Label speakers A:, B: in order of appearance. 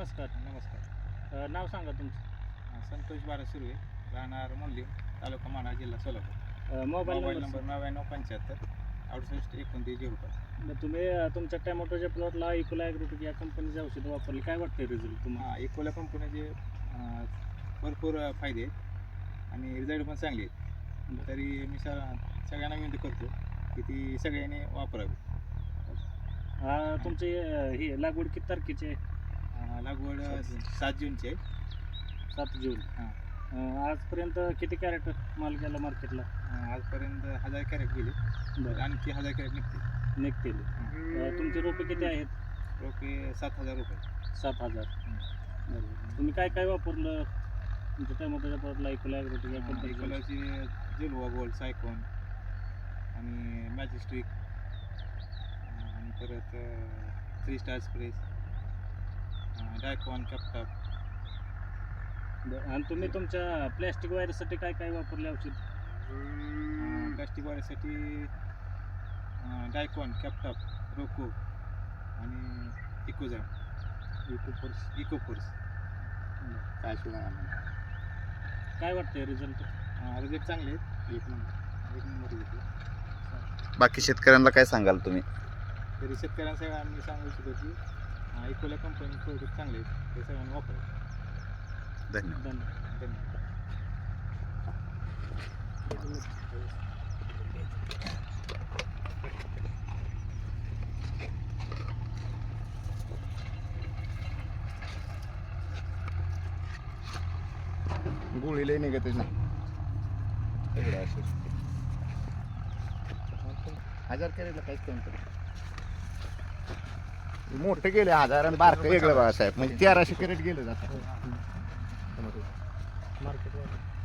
A: नमस्कार. नाव सांगा तुमचं.
B: संतोष बारा सुर्वे, राहणार मुंडली, तालुका माढा, जिल्हा Solapur.
A: Mobile
B: mobile
A: number
B: number 9975 68 29 05.
A: तुम्ही तुमच्या टॅमॅटोच्या प्लॉटला इकोला ॲग्रोटेक या कंपनीचे औषधं वापरली, काय वाटतंय रिझल्ट तुम्हाला?
B: इकोला कंपनीचे भरपूर फायदे आहेत आणि रिझल्ट पण चांगले आहेत. तरी मी सगळ्यांना विनंती करतो की ती सगळ्यांनी वापरावी.
A: तुमची ही लागवड किती तारखेची आहे?
B: लागवड 7 जूनची आहे.
A: 7 जून. आजपर्यंत किती कॅरेट माल गेला मार्केटला?
B: आजपर्यंत 1000 कॅरेट गेले.
A: बरं.
B: आणखी 1000 कॅरेट
A: निघतील. तुमचे रोपे किती आहेत?
B: रोपे 7000 रुपये.
A: 7000. तुम्ही काय काय वापरलं तुमच्या टॅमॅटोच्या प्लॉटला इकोला ॲग्रोटेक या कंपनीचं?
B: इकोलाची जिलवा गोल्ड, सायकॉन आणि मॅजिस्ट्रिक आणि परत 3 स्टार स्प्रेस, डायकॉन, कॅप्टॉप.
A: आणि तुम्ही तुमच्या प्लॅस्टिक वायरसाठी काय काय वापरले औषध?
B: प्लास्टिक वाढीसाठी डायकॉन, कॅप्टॉप, रोको आणि इकोझॅम, इकोफोर्स.
A: काय वाटतंय रिझल्ट?
B: रिझल्ट चांगले आहेत. एक नंबर रिझल्ट.
C: बाकी शेतकऱ्यांना काय सांगाल तुम्ही?
B: तरी शेतकऱ्यांसाठी आम्ही सांगू इच्छितो की इकोला कंपनी प्रोडक्ट चांगले आहेत, ते सगळ्यांनी वापरावे.
C: धन्यवाद.
B: धन्यवाद.
C: गोळी लई निघतच नाही. 1000 कॅरेटला काहीच कमी करू. मोठे गेले 1000 आणि बारकं वेगळं बाळासाहेब, म्हणजे 1300 कॅरेट गेलं जातं.
A: मार्केट